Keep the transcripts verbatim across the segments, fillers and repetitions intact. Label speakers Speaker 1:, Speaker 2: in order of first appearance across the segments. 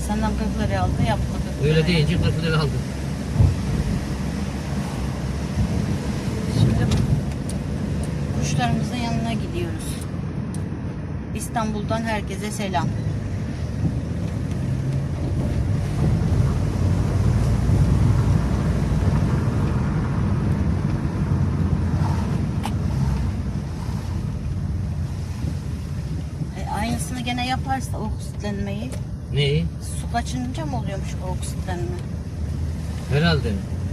Speaker 1: Senden kırk liraya aldı, yaptı kırk liraya.
Speaker 2: Öyle deyince kırk lira aldım.
Speaker 1: Şimdi kuşlarımızın yanına gidiyoruz. İstanbul'dan herkese selam. E, aynısını gene yaparsa oksitlenmeyi,
Speaker 2: Neyi?
Speaker 1: su kaçınca mı oluyormuş o oksitlenme?
Speaker 2: Herhalde.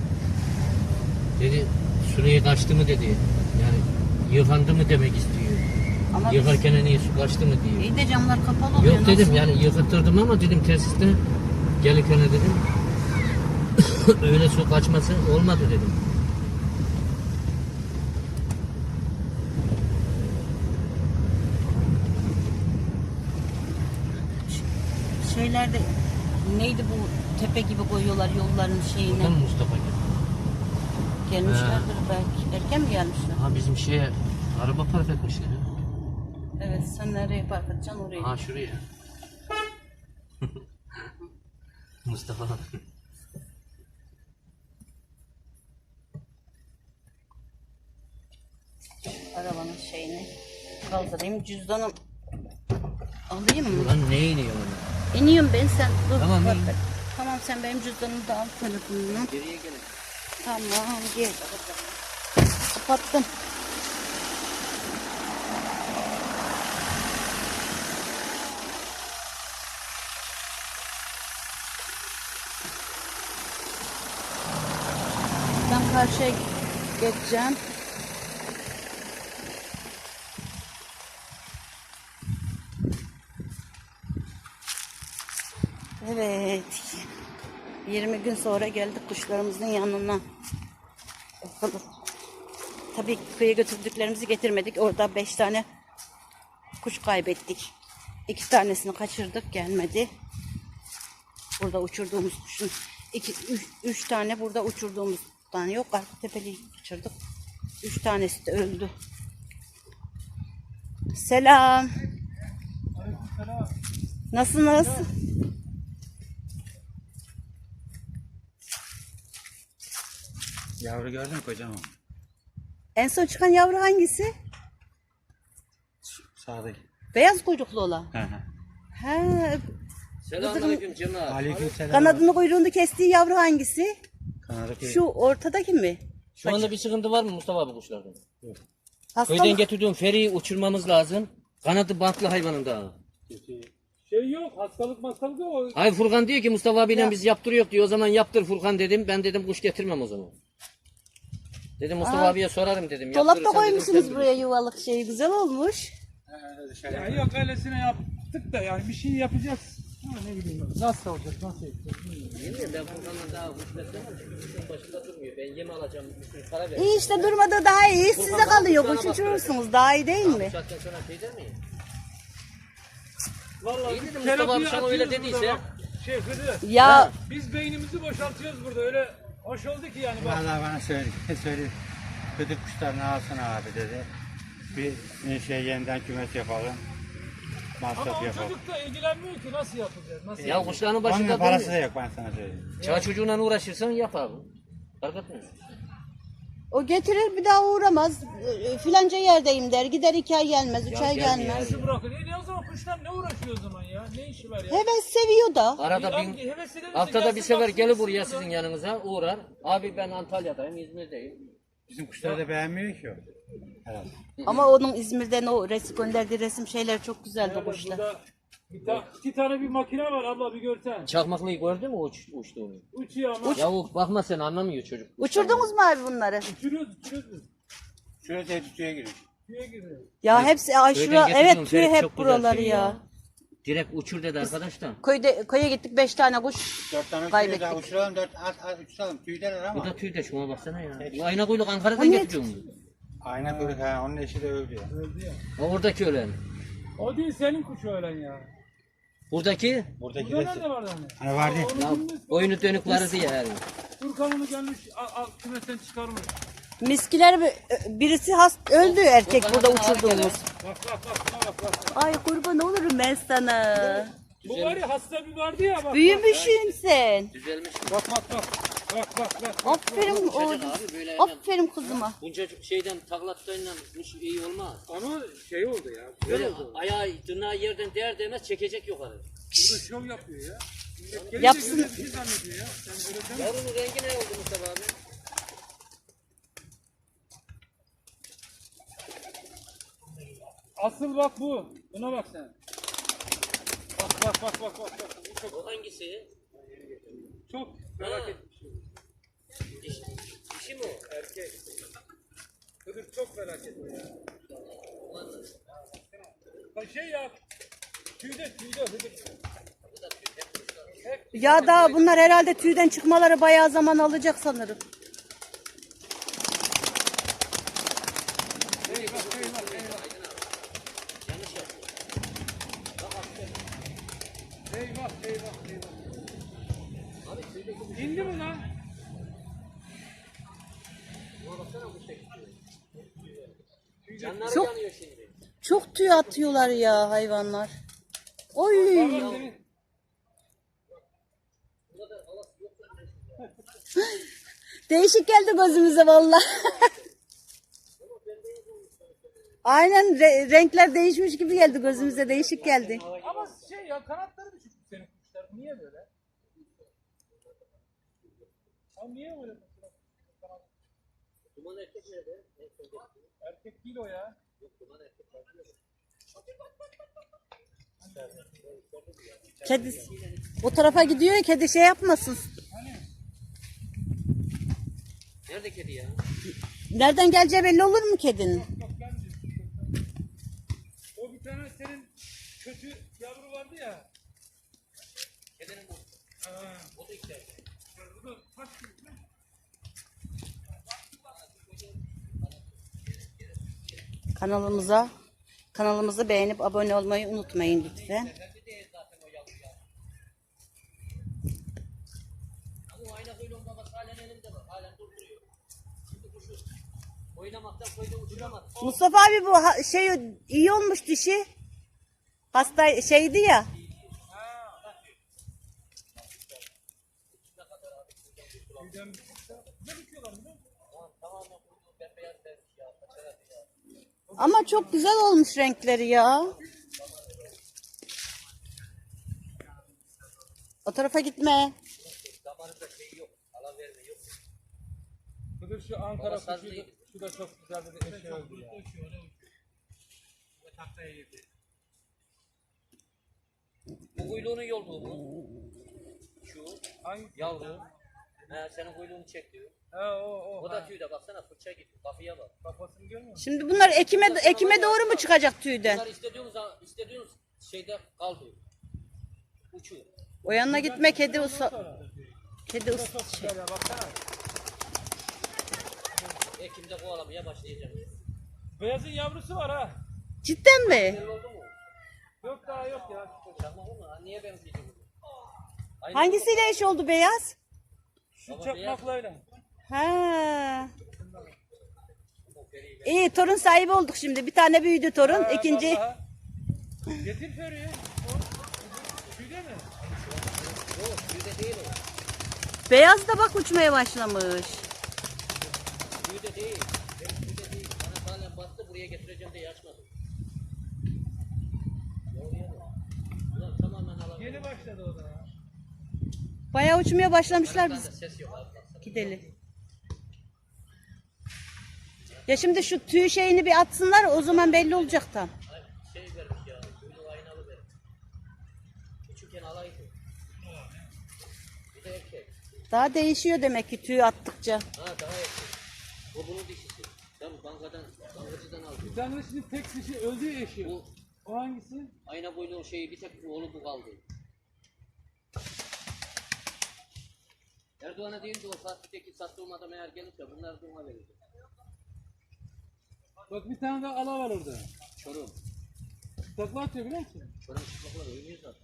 Speaker 2: Dedi süreye kaçtı mı dedi. Yani yıkandı mı demek istiyor.
Speaker 1: Ama
Speaker 2: Yıkarken niye su kaçtı mı diyor.
Speaker 1: iyi de camlar kapalı oluyor.
Speaker 2: Yok dedim
Speaker 1: nasıl?
Speaker 2: yani yıkatırdım ama dedim tesiste gelirken dedim öyle su kaçması olmadı dedim.
Speaker 1: Şeylerde neydi bu tepe gibi koyuyorlar yolların şeyine.
Speaker 2: Buradan mı Mustafa geldi?
Speaker 1: Gelmişlerdir belki. Erken mi gelmişler?
Speaker 2: Ha bizim şeye araba park etmişler.
Speaker 1: Evet, sen nereye park edeceksin oraya.
Speaker 2: Ha şuraya. Mustafa.
Speaker 1: Arabanın şeyini kaldırayım. Cüzdanım alayım mı?
Speaker 2: Lan ne iniyor ona?
Speaker 1: İniyorum ben, sen dur.
Speaker 2: Tamam,
Speaker 1: bak-
Speaker 2: in.
Speaker 1: Tamam, sen benim cüzdanımı da al telefonunu.
Speaker 2: Geriye gelin.
Speaker 1: Tamam, gel. Kapattım. Ben karşıya geçeceğim. Evet. yirmi gün sonra geldik kuşlarımızın yanına. Bakalım. Tabii köye götürdüklerimizi getirmedik. Orada beş tane kuş kaybettik. İki tanesini kaçırdık, gelmedi. Burada uçurduğumuz kuşun iki, üç, üç tane burada uçurduğumuz tane yok. Arka tepeliği kaçırdık. Üç tanesi de öldü. Selam. Nasılsınız?
Speaker 3: Yavru gördün mü kocaman?
Speaker 1: En son çıkan yavru hangisi?
Speaker 3: Sağdaki.
Speaker 1: Beyaz kuyruklu olan.
Speaker 3: Hı hı.
Speaker 1: He,
Speaker 2: Selamünaleyküm Cemal.
Speaker 3: Aleykümselam.
Speaker 1: kanadını kuyruğunu kestiği yavru hangisi?
Speaker 3: Kanadı koy.
Speaker 1: Şu ortadaki mi?
Speaker 2: Şu anda bir sıkıntı var mı Mustafa abi kuşlarda?
Speaker 1: Hastalık.
Speaker 2: Köyden getirdiğim feriyi uçurmamız lazım. Kanadı bantlı hayvanın da.
Speaker 4: Şey yok, hastalık hastalık yok.
Speaker 2: Hayır Furkan diyor ki Mustafa abiyle
Speaker 1: Ya.
Speaker 2: biz yaptırıyor diyor. O zaman yaptır Furkan dedim. Ben dedim kuş getirmem o zaman. Dedim Mustafa
Speaker 1: Aa,
Speaker 2: abiye sorarım dedim.
Speaker 1: Dolapta
Speaker 2: Yaptırırsan dedim,
Speaker 1: koymuşsunuz
Speaker 2: sen
Speaker 1: buraya yuvalık şey, güzel olmuş.
Speaker 4: Ya yok öylesine yaptık da yani bir şey yapacağız. Ha, ne bileyim ben. Nasıl olacak, nasıl yapacağız bilmiyorum.
Speaker 2: bilirsin. Ben Furkan'la daha kuş beslemem. Kuşun başında durmuyor. Ben yem alacağım. Bir sürü para ver.
Speaker 1: İyi işte, durmadı daha iyi. Size kalıyor. Kuş uçurursunuz. Daha iyi değil
Speaker 2: Bu
Speaker 1: mi?
Speaker 2: saatten sonra şey der miyim?
Speaker 4: Vallahi
Speaker 2: İyi
Speaker 4: biz
Speaker 2: dedim Mustafa abi
Speaker 4: terapiye
Speaker 2: sana öyle
Speaker 4: atıyoruz
Speaker 2: dediyse.
Speaker 4: burada bak. Şey Hıdır,
Speaker 1: Ya
Speaker 4: biz beynimizi boşaltıyoruz burada öyle hoş oldu ki yani bak.
Speaker 3: Vallahi bana söyledi. söyledi. Kötü kuşlarını alsana abi dedi. Bir şey yeniden kümes yapalım.
Speaker 4: Ama
Speaker 3: Masraf
Speaker 4: o
Speaker 3: yapalım.
Speaker 4: çocuk da ilgilenmiyor ki nasıl yapacağız, nasıl
Speaker 2: Ya
Speaker 4: yapacağız?
Speaker 2: kuşların
Speaker 3: Onun
Speaker 2: başında
Speaker 3: parası da
Speaker 2: durmuyor.
Speaker 3: yok ben sana söyleyeyim.
Speaker 2: Çağ çocuğuna uğraşırsan yap abi. Fark etmez.
Speaker 1: o getirir bir daha uğramaz. E, Filanca yerdeyim der. Gider iki ay gelmez. Üç
Speaker 2: Ya
Speaker 1: ay
Speaker 2: gelmiyor
Speaker 1: gelmez.
Speaker 2: ya.
Speaker 4: Nasıl bırakır? E ne o zaman kuşlar ne uğraşıyor o zaman ya? Ne işi var ya?
Speaker 1: Heves seviyor da.
Speaker 2: Arada
Speaker 4: Ya
Speaker 2: bin,
Speaker 4: heves ederse
Speaker 2: haftada bir
Speaker 4: gelsin
Speaker 2: sefer
Speaker 4: baksın
Speaker 2: gelir buraya
Speaker 4: burada.
Speaker 2: sizin yanınıza uğrar. Abi ben Antalya'dayım, İzmir'deyim.
Speaker 3: Bizim kuşları da beğenmiyor ki o. Herhalde.
Speaker 1: Ama onun İzmir'den o resim gönderdiği resim şeyler çok güzeldi
Speaker 4: Evet,
Speaker 1: kuşlar.
Speaker 4: burada bir ta- iki tane bir makine var abla bir görsen.
Speaker 2: Çakmaklıyı gördün mü uç, uçtuğunu?
Speaker 4: Uçuyor ama.
Speaker 2: Ya o bakma sen anlamıyor çocuk.
Speaker 1: Uçurdunuz mu abi bunları?
Speaker 4: Uçuruyoruz uçuruyoruz biz.
Speaker 3: Şuraya teyze giriyor.
Speaker 4: Tüye giriyor.
Speaker 1: Ya hepsi ay
Speaker 2: Köyden
Speaker 1: şura,
Speaker 2: getirdim,
Speaker 1: evet köy
Speaker 2: Ferit
Speaker 1: hep
Speaker 2: çok güzel
Speaker 1: buraları
Speaker 2: şey
Speaker 1: ya.
Speaker 2: Direkt uçur dedi arkadaş da.
Speaker 1: Köyde köye gittik, beş tane kuş
Speaker 3: Dört tane
Speaker 1: kaybettik.
Speaker 3: uçuruyor da uçuralım. Dört at at uçuralım. Tüydeler
Speaker 2: Bu
Speaker 3: ama.
Speaker 2: da tüy de şuna baksana ya. Bu ayna kuyruk Ankara'dan
Speaker 1: O ne?
Speaker 2: getiriyorum.
Speaker 3: Ayna kuyruk ha. Onun eşi de öldü ya.
Speaker 4: Öldü ya.
Speaker 2: O oradaki ölen.
Speaker 4: O değil senin kuş öğlen ya.
Speaker 2: Buradaki
Speaker 3: Buradaki
Speaker 4: Burada
Speaker 3: de.
Speaker 4: nerede var hani?
Speaker 3: Hani vardı ya.
Speaker 4: Onu
Speaker 2: ya
Speaker 4: bilmiş,
Speaker 2: boynu dönük vardı ya her.
Speaker 4: Furkan onu gelmiş al, al kümesten çıkarmış.
Speaker 1: miskiler bir- birisi hast öldü erkek burada
Speaker 2: bana
Speaker 1: uçurduğumuz.
Speaker 4: Bak bak bak şuna bak bak.
Speaker 1: Ay kurban olurum ben sana.
Speaker 4: Bu var ya hasta bir vardı ya bak.
Speaker 1: Büyümüşsün sen.
Speaker 2: Düzelmiş.
Speaker 4: Bak bak bak. Bak bak bak.
Speaker 1: Aferin
Speaker 2: Uçacak
Speaker 1: oğlum.
Speaker 2: abi böyle hemen.
Speaker 1: Aferin kızıma.
Speaker 2: Bunca şeyden taklatlarıyla kuş iyi olmaz.
Speaker 4: Ama şey oldu ya. Güzel
Speaker 2: Böyle
Speaker 4: oldu.
Speaker 2: ayağı tırnağı yerden değer değmez çekecek yukarı.
Speaker 4: Burada şov yapıyor ya. Millet gelince
Speaker 1: Yapsın.
Speaker 4: güzel bir şey zannediyor ya. Sen böyle deme.
Speaker 2: Yavrunun rengi ne oldu Mustafa abi?
Speaker 4: Asıl bak bu. Buna bak sen. Bak bak bak bak bak. bak. Bu çok
Speaker 2: O hangisi?
Speaker 4: çok merak
Speaker 2: Ha.
Speaker 4: etmiş.
Speaker 2: Dişi, dişi mi o?
Speaker 4: Erkek. Kıdır çok merak etme ya. Ha şey ya. Tüyde tüyde hıdır.
Speaker 1: Ya daha bunlar herhalde tüyden çıkmaları bayağı zaman alacak sanırım.
Speaker 4: Eyvah eyvah eyvah.
Speaker 2: Yanlış yaptı.
Speaker 4: Eyvah eyvah eyvah.
Speaker 2: Abi tüydeki
Speaker 4: İndi mi lan?
Speaker 2: buna baksana bu şey. Canları
Speaker 1: Çok-
Speaker 2: yanıyor şimdi.
Speaker 1: Çok tüy atıyorlar ya hayvanlar. Oy.
Speaker 4: Bak seni.
Speaker 1: Değişik geldi gözümüze vallahi. Aynen re- renkler değişmiş gibi geldi gözümüze, değişik geldi.
Speaker 4: Ama şey ya kanatları düşük senin kuşlar. Niye böyle? Abi niye böyle?
Speaker 2: Duman erkek nerede?
Speaker 4: Erkek değil o ya.
Speaker 2: Duman erkek var.
Speaker 1: Kedi o tarafa gidiyor ya, kedi şey yapmasın.
Speaker 2: Nerede kedi ya?
Speaker 1: Nereden geleceği belli olur mu kedinin?
Speaker 4: Bak ben de. O bir tane senin kötü yavru vardı ya.
Speaker 2: Kedinin bu.
Speaker 4: Ha.
Speaker 2: O da içeride.
Speaker 4: Bu da kaç kilo?
Speaker 1: Kanalımıza kanalımızı beğenip abone olmayı unutmayın lütfen.
Speaker 2: Efendi değil zaten o yavru ya. Ama o ayna kuyruğun babası halen elimde var. Halen durduruyor. Şimdi kuşu oynamaktan koyda uçuramaz.
Speaker 1: Mustafa abi bu ha- şey iyi olmuş dişi. Hasta şeydi ya.
Speaker 4: Tüyden bir kuşta. Ne bitiyorlar biliyor musun?
Speaker 2: Tamam tamamen kuyruğu bembeyaz vermiş ya. Kaçarak ya.
Speaker 1: Ama çok güzel olmuş renkleri ya. O tarafa gitme.
Speaker 2: Zamanında şey yok. Alan verme yok.
Speaker 4: Kıdır şu Ankara
Speaker 2: Baba saz
Speaker 4: kuşu,
Speaker 2: değil.
Speaker 4: şu da çok güzel dedi. Eşe öldü ya. Tahtaya girdi.
Speaker 2: Bu kuyruğunun yolduğu bu. Şu
Speaker 4: Hangi?
Speaker 2: yavru. He, senin kuyruğunu çek diyor.
Speaker 4: Ha o o.
Speaker 2: O
Speaker 4: ha.
Speaker 2: da tüyde baksana fırça gibi. Kafaya bak.
Speaker 4: Kafasını görmüyor musun?
Speaker 1: Şimdi bunlar ekime ekime doğru mu çıkacak tüyden?
Speaker 2: Bunlar istediğiniz, istediğiniz şeyde kaldı. Uçuyor.
Speaker 1: O yanına gitme, kedi usa
Speaker 4: Sonra.
Speaker 1: kedi
Speaker 4: Bu da
Speaker 1: us
Speaker 4: çok güzel ya baksana.
Speaker 2: Ekim'de kovalamaya başlayacağım.
Speaker 4: Beyazın yavrusu var ha.
Speaker 1: Cidden mi?
Speaker 2: Belli oldu mu?
Speaker 4: Yok daha yok ya.
Speaker 2: Çakmak mı? Ha, niye benziyor bu? Aynı
Speaker 1: Hangisiyle eş oldu beyaz?
Speaker 4: Şu
Speaker 2: Baba
Speaker 4: çakmaklayla.
Speaker 1: Ha.
Speaker 2: bu periyi ver.
Speaker 1: İyi, torun sahibi olduk şimdi. Bir tane büyüdü torun,
Speaker 4: Ha,
Speaker 1: ikinci.
Speaker 4: vallahi. Getir Feri'yi. O tüyde mi?
Speaker 2: Yok tüyde değil o.
Speaker 1: Beyaz da bak uçmaya başlamış.
Speaker 2: Tüyde değil. Benim tüyde değil. Bana halen bastı buraya getireceğim diye açmadım. Yavruya bak. Ulan tamamen alalım.
Speaker 4: Yeni başladı o da ya.
Speaker 1: Bayağı uçmaya başlamışlar
Speaker 2: Kanatlarda
Speaker 1: biz.
Speaker 2: ses yok abi baksana.
Speaker 1: Gidelim. Ya şimdi şu tüy şeyini bir atsınlar, o zaman belli olacak tam.
Speaker 2: Ay, şey vermiş ya. Kuyruğu aynalı vermiş. Küçükken alaydı. Bir de erkek.
Speaker 1: Daha değişiyor demek ki tüy attıkça.
Speaker 2: Ha daha erkek. O bunun dişisi. Ben bankadan, bankacıdan aldım.
Speaker 4: Bir tane şimdi tek kişi öldü eşi.
Speaker 2: Bu
Speaker 4: O hangisi?
Speaker 2: ayna boylu şeyi bir tek oğlu bu kaldı. Erdoğan'a değil de o saatteki sattığım adam eğer gelirse bunlar da ona verecek.
Speaker 4: Bak bir tane daha ala var orada.
Speaker 2: Çorum.
Speaker 4: Takla atıyor biliyor musun?
Speaker 2: Çorum çıplaklar oynuyor zaten.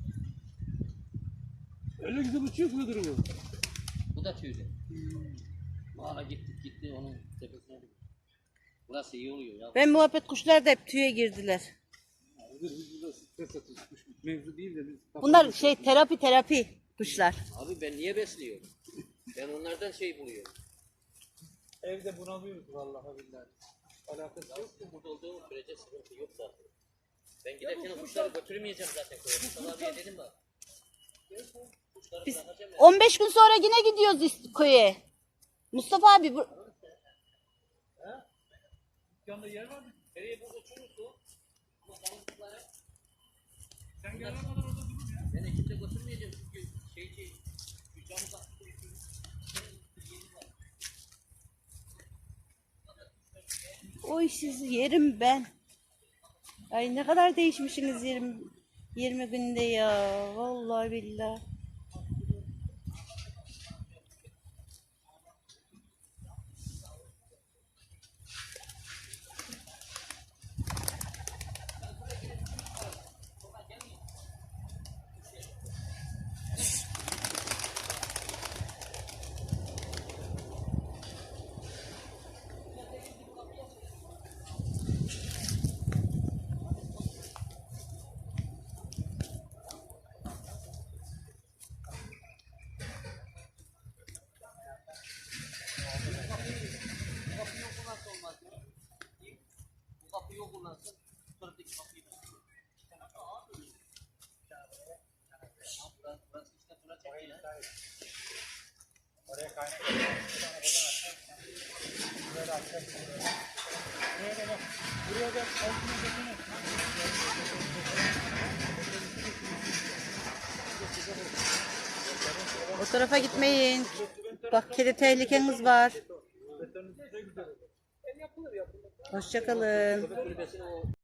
Speaker 4: Öyle güzel uçuyor ki duruyor.
Speaker 2: Bu da tüylü. Valla gittik gitti onun tepesine. Burası iyi oluyor ya.
Speaker 1: Ben muhabbet kuşlar da hep tüye girdiler.
Speaker 4: Dur biz burada stres atıyoruz. Kuş mevzu değil de biz...
Speaker 1: Bunlar şey terapi terapi kuşlar.
Speaker 2: Abi ben niye besliyorum? Ben onlardan şey buluyorum.
Speaker 4: Evde bunalıyoruz vallahi billahi. Alakası yok.
Speaker 2: Yok burada olduğum sürece sıkıntı yok zaten. Ben giderken o kuşları götürmeyeceğim zaten köye. Mustafa abiye dedim bak. Kuşları
Speaker 1: Biz
Speaker 2: bırakacağım ya.
Speaker 1: on beş gün sonra yine gidiyoruz ist- köye. Mustafa abi bu,
Speaker 4: Dükkanda yer var mı?
Speaker 2: Nereye burada uçurursun? Ama tavuklara
Speaker 4: Sen gelene kadar orada durur ya.
Speaker 2: ben ekiple götürmeyeceğim çünkü şey şey şu camı taktı.
Speaker 1: oy sizi yerim ben. Ay ne kadar değişmişsiniz yirmi, yirmi günde ya. Vallahi billahi.
Speaker 2: Bu kapıyı o kullansın. Tutarıdaki kapıyı da. Burası işte buna çekiyor ya.
Speaker 3: Oraya kaynak. Böyle açacak.
Speaker 4: Buraya da bak. Buraya da altına bakın.
Speaker 1: O tarafa gitmeyin. Bak kedi tehlikeniz var. Hoşça kalın.
Speaker 2: Kulübesine o